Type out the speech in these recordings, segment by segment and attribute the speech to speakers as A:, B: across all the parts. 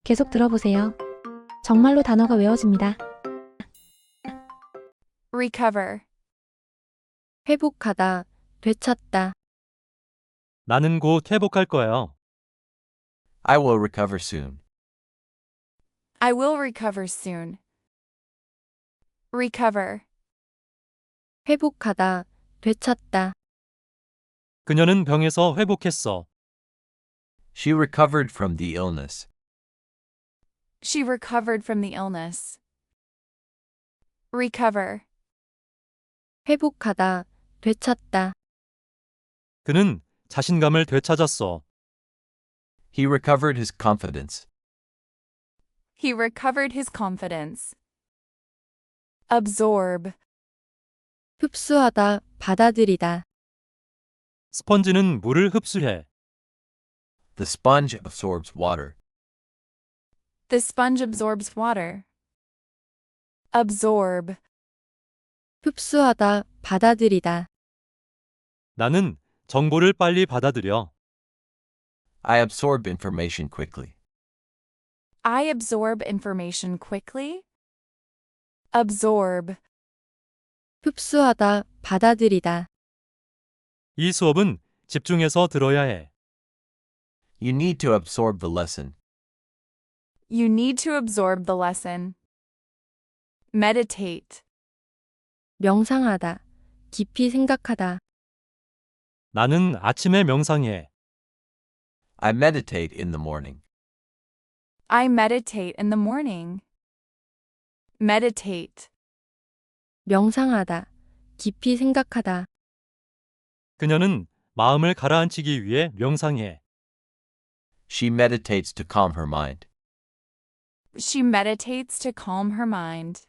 A: 계속 들어보세요. 정말로 단어가 외워집니다.
B: recover,
C: 회복하다, 되찾다,
D: 나는 곧 회복할 거예요.
E: I will recover soon.
B: I will recover soon. recover,
C: 회복하다, 되찾다,
D: 그녀는 병에서 회복했어.
E: She recovered from the illness.
B: she recovered from the illness. recover,
C: 회복하다, 되찾다,
D: 그는 자신감을 되찾았어.
E: He recovered his confidence.
B: he recovered his confidence. absorb,
C: 흡수하다, 받아들이다,
D: 스펀지는 물을 흡수해.
E: The sponge absorbs water.
B: the sponge absorbs water. absorb,
C: 흡수하다, 받아들이다,
D: 나는 정보를 빨리 받아들여.
E: I absorb information quickly.
B: I absorb information quickly. absorb,
C: 흡수하다, 받아들이다,
D: 이 수업은 집중해서 들어야 해.
E: You need to absorb the lesson.
B: you need to absorb the lesson. meditate,
C: 명상하다, 깊이 생각하다,
D: 나는 아침에 명상해.
E: I meditate in the morning.
B: I meditate in the morning. meditate,
C: 명상하다, 깊이 생각하다,
D: 그녀는 마음을 가라앉히기 위해 명상해.
E: She meditates to calm her mind.
B: she meditates to calm her mind.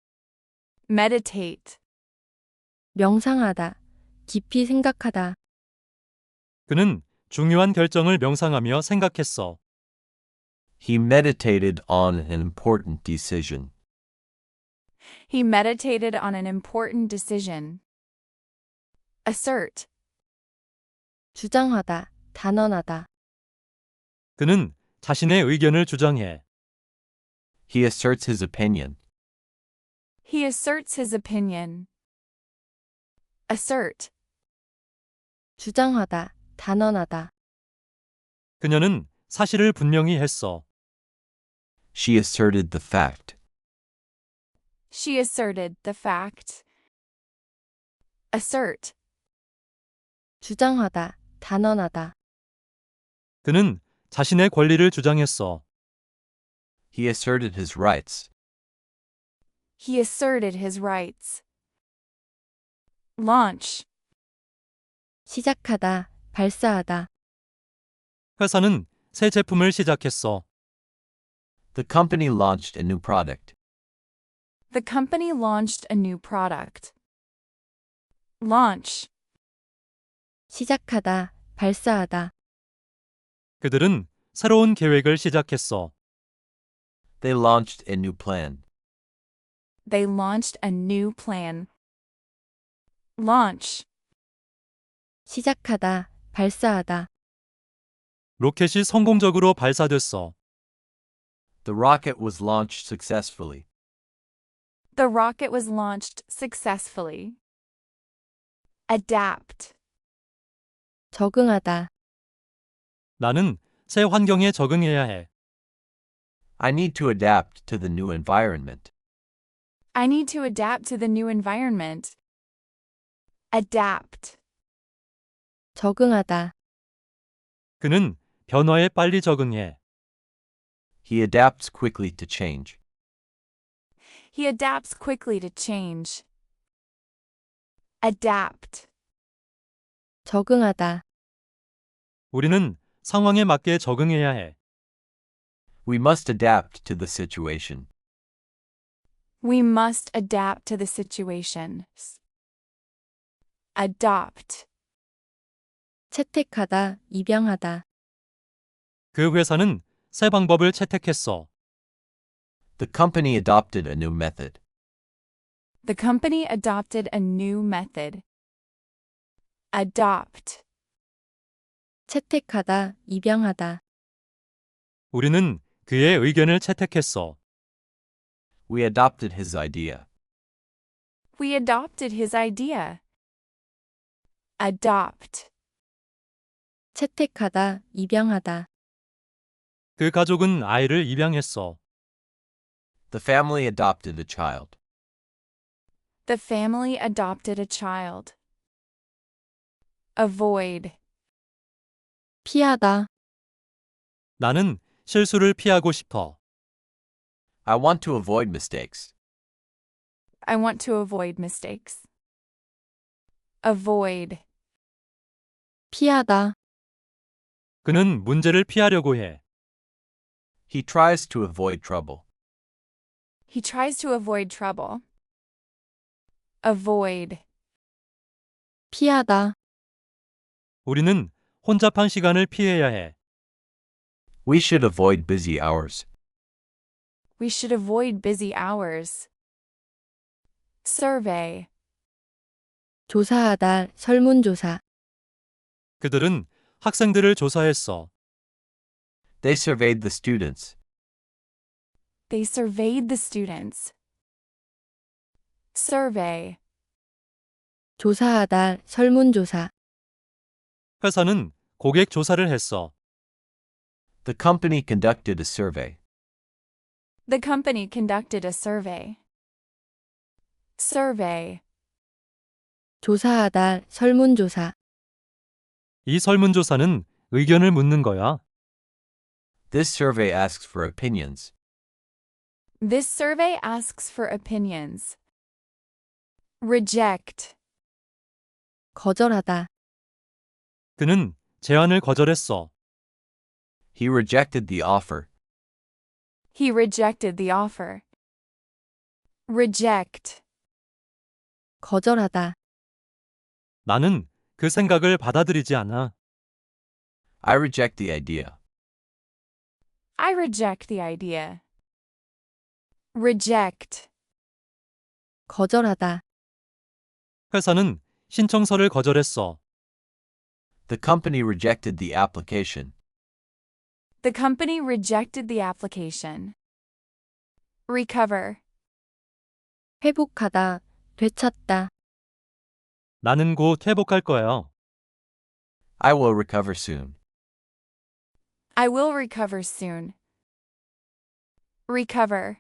B: meditate,
C: 명상하다, 깊이 생각하다,
D: 그는 중요한 결정을 명상하며 생각했어.
E: He meditated on an important decision.
B: he meditated on an important decision. assert,
C: 주장하다, 단언하다,
D: 그는 자신의 의견을 주장해.
E: He asserts his opinion.
B: he asserts his opinion. assert,
C: 주장하다, 단언하다,
D: 그녀는 사실을 분명히 했어.
E: She asserted the fact.
B: she asserted the fact. assert,
C: 주장하다, 단언하다,
D: 그는 자신의 권리를 주장했어.
E: He asserted his rights.
B: he asserted his rights. launch,
C: 시작하다, 발사하다,
D: 회사는 새 제품을 시작했어.
E: The company launched a new product.
B: the company launched a new product. launch,
C: 시작하다, 발사하다,
D: 그들은 새로운 계획을 시작했어.
E: They launched a new plan.
B: they launched a new plan. launch,
C: 시작하다, 발사하다,
D: 로켓이 성공적으로 발사됐어.
E: The rocket was launched successfully.
B: the rocket was launched successfully. adapt,
C: 적응하다,
D: 나는 새 환경에 적응해야 해.
E: I need to adapt to the new environment.
B: I need to adapt to the new environment. adapt,
C: 적응하다,
D: 그는 변화에 빨리 적응해.
E: He adapts quickly to change.
B: he adapts quickly to change. adapt,
C: 적응하다,
D: 우리는 상황에 맞게 적응해야 해.
E: We must adapt to the situation.
B: we must adapt to the situation. adopt,
C: 채택하다, 입양하다,
D: 그 회사는 새 방법을 채택했어.
E: The company adopted a new method.
B: the company adopted a new method. adopt,
C: 채택하다, 입양하다,
D: 우리는 그의 의견을 채택했어.
E: We adopted his idea.
B: We adopted his idea. Adopt.
C: 채택하다, 입양하다.
D: 그 가족은 아이를 입양했어.
E: The family adopted a child.
B: The family adopted a child. Avoid.
C: 피하다,
D: 나는 실수를 피하고 싶어.
E: I want to avoid mistakes.
B: I want to avoid mistakes. Avoid.
C: 피하다,
D: 그는 문제를 피하려고 해.
E: He tries to avoid trouble.
B: He tries to avoid trouble. Avoid.
C: 피하다,
D: 우리는 혼잡한 시간을 피해야 해.
E: We should avoid busy hours.
B: We should avoid busy hours. Survey.
C: 조사하다, 설문조사.
D: 그들은 학생들을 조사했어.
E: They surveyed the students.
B: They surveyed the students. Survey.
C: 조사하다, 설문조사.
D: 회사는 고객 조사를 했어.
E: The company conducted a survey.
B: The company conducted a survey. Survey.
C: 조사하다, 설문조사.
D: 이 설문조사는 의견을 묻는 거야.
E: This survey asks for opinions.
B: This survey asks for opinions. Reject.
C: 거절하다,
D: 그는 제안을 거절했어.
E: He rejected the offer.
B: He rejected the offer. Reject.
C: 거절하다,
D: 나는 그 생각을 받아들이지 않아.
E: I reject the idea.
B: I reject the idea. Reject.
C: 거절하다,
D: 회사는 신청서를 거절했어.
E: The company rejected the application.
B: The company rejected the application. Recover.
C: 회복하다, 되찾다.
D: 나는 곧 회복할 거야.
E: I will recover soon.
B: I will recover soon. Recover.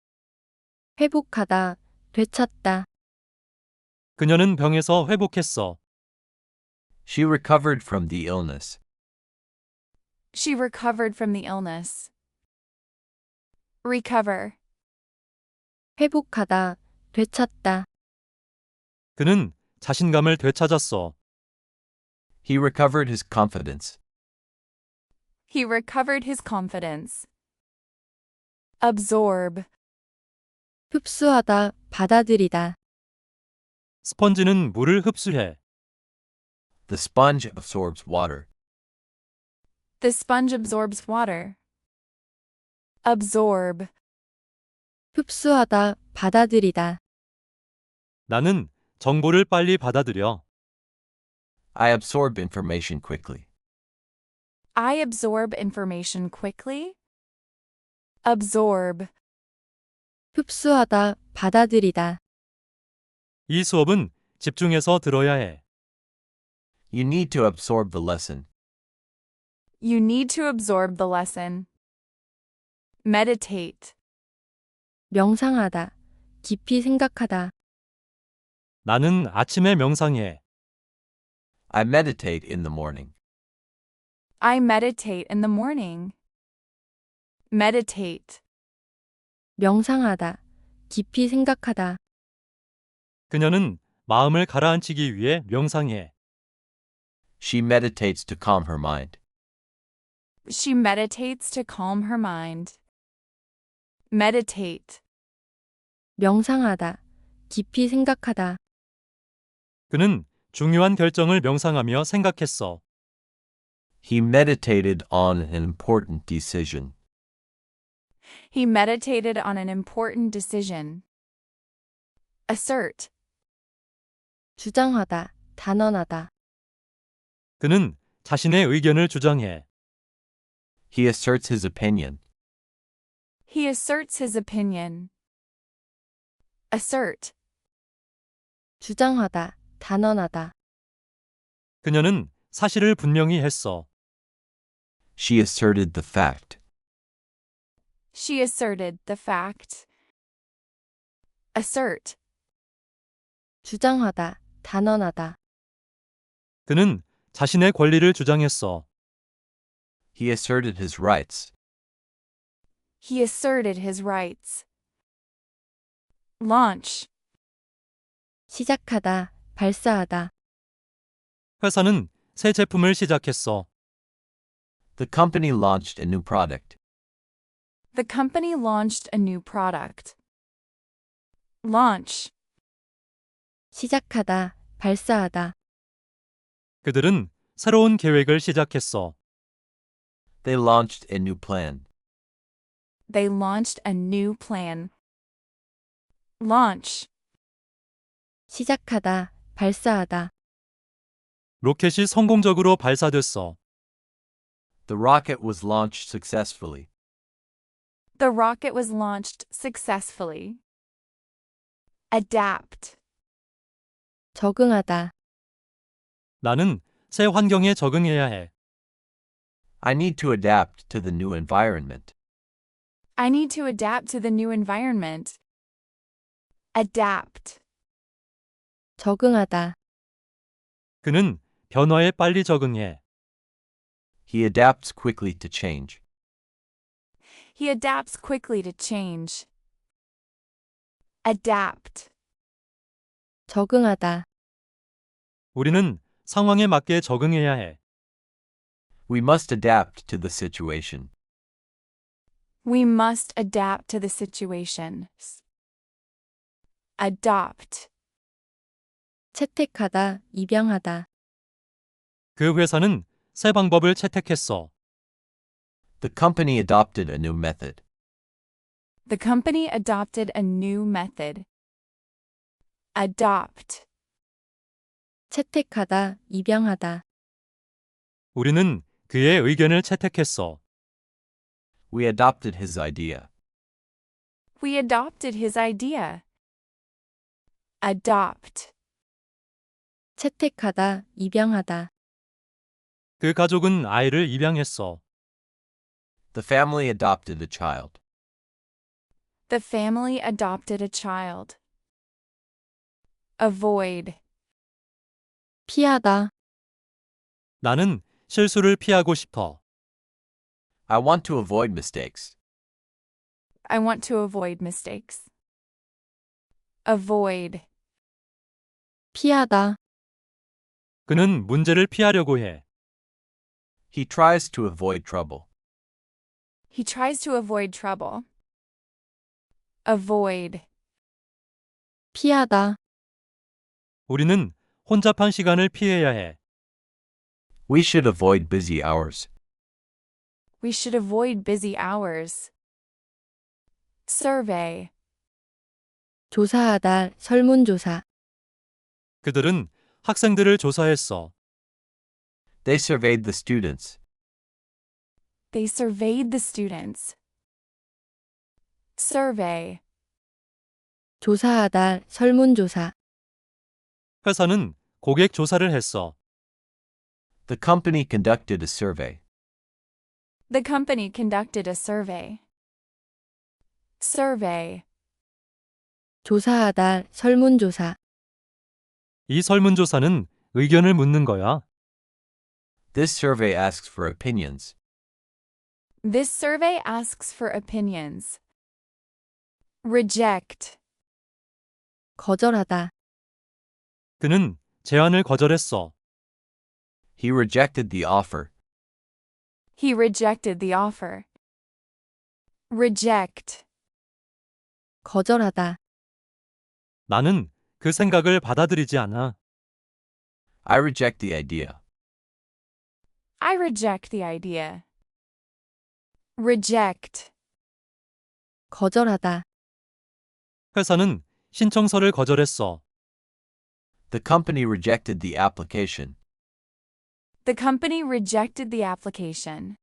C: 회복하다, 되찾다.
D: 그녀는 병에서 회복했어.
E: She recovered from the illness.
B: She recovered from the illness. Recover.
C: 회복하다, 되찾다.
D: 그는 자신감을 되찾았어.
E: He recovered his confidence.
B: He recovered his confidence. Absorb.
C: 흡수하다, 받아들이다.
D: 스펀지는 물을 흡수해.
E: The sponge absorbs water.
B: The sponge absorbs water. Absorb.
C: 흡수하다, 받아들이다.
D: 나는 정보를 빨리 받아들여.
E: I absorb information quickly.
B: I absorb information quickly. Absorb.
C: 흡수하다, 받아들이다.
D: 이 수업은 집중해서 들어야 해.
E: You need to absorb the lesson.
B: You need to absorb the lesson. Meditate.
C: 명상하다, 깊이 생각하다.
D: 나는 아침에 명상해.
E: I meditate in the morning.
B: I meditate in the morning. Meditate.
C: 명상하다, 깊이 생각하다.
D: 그녀는 마음을 가라앉히기 위해 명상해.
E: She meditates to calm her mind.
B: She meditates to calm her mind. Meditate.
C: 명상하다, 깊이 생각하다.
D: 그는 중요한 결정을 명상하며 생각했어.
E: He meditated on an important decision.
B: He meditated on an important decision. Assert.
C: 주장하다, 단언하다.
D: 그는 자신의 의견을 주장해.
E: He asserts his opinion.
B: He asserts his opinion. Assert.
C: 주장하다, 단언하다.
D: 그녀는 사실을 분명히 했어.
E: She asserted the fact.
B: She asserted the fact. Assert.
C: 주장하다, 단언하다.
D: 그는 자신의 권리를 주장했어.
E: He asserted his rights.
B: He asserted his rights. Launch.
C: 시작하다, 발사하다.
D: 회사는 새 제품을 시작했어.
E: The company launched a new product.
B: The company launched a new product. Launch.
C: 시작하다, 발사하다.
D: 그들은 새로운 계획을 시작했어.
E: They launched a new plan.
B: They launched a new plan. Launch.
C: 시작하다, 발사하다.
D: 로켓이 성공적으로 발사됐어.
E: The rocket was launched successfully.
B: The rocket was launched successfully. Adapt.
C: 적응하다.
D: 나는 새 환경에 적응해야 해.
E: I need to adapt to the new environment.
B: I need to adapt to the new environment. Adapt.
C: 적응하다.
D: 그는 변화에 빨리 적응해.
E: He adapts quickly to change.
B: He adapts quickly to change. Adapt.
C: 적응하다.
D: 우리는 상황에 맞게 적응해야 해.
E: We must adapt to the situation.
B: We must adapt to the situation. Adopt.
C: 채택하다, 입양하다.
D: 그 회사는 새 방법을 채택했어.
E: The company adopted a new method.
B: The company adopted a new method. Adopt.
C: 채택하다, 입양하다.
D: 우리는 그의 의견을 채택했어.
E: We adopted his idea.
B: We adopted his idea. Adopt.
C: 채택하다, 입양하다.
D: 그 가족은 아이를 입양했어.
E: The family adopted a child.
B: The family adopted a child. Avoid.
C: 피하다.
D: 나는 실수를 피하고 싶어.
E: I want to avoid mistakes.
B: I want to avoid mistakes. Avoid.
C: 피하다.
D: 그는 문제를 피하려고 해.
E: He tries to avoid trouble.
B: He tries to avoid trouble. Avoid.
C: 피하다.
D: 우리는 혼잡한 시간을 피해야 해.
E: We should avoid busy hours.
B: We should avoid busy hours. Survey.
C: 조사하다, 설문조사.
D: 그들은 학생들을 조사했어.
E: They surveyed the students.
B: They surveyed the students. Survey.
C: 조사하다, 설문조사.
D: 회사는 고객 조사를 했어.
E: The company conducted a survey.
B: The company conducted a survey. Survey.
C: 조사하다, 설문조사.
D: 이 설문조사는 의견을 묻는 거야.
E: This survey asks for opinions.
B: This survey asks for opinions. Reject.
C: 거절하다.
D: 그는 제안을 거절했어.
E: He rejected the offer.
B: He rejected the offer. Reject.
C: 거절하다.
D: 나는 그 생각을 받아들이지 않아.
E: I reject the idea.
B: I reject the idea. Reject.
C: 거절하다.
D: 회사는 신청서를 거절했어.
E: The company rejected the application.
B: The company rejected the application.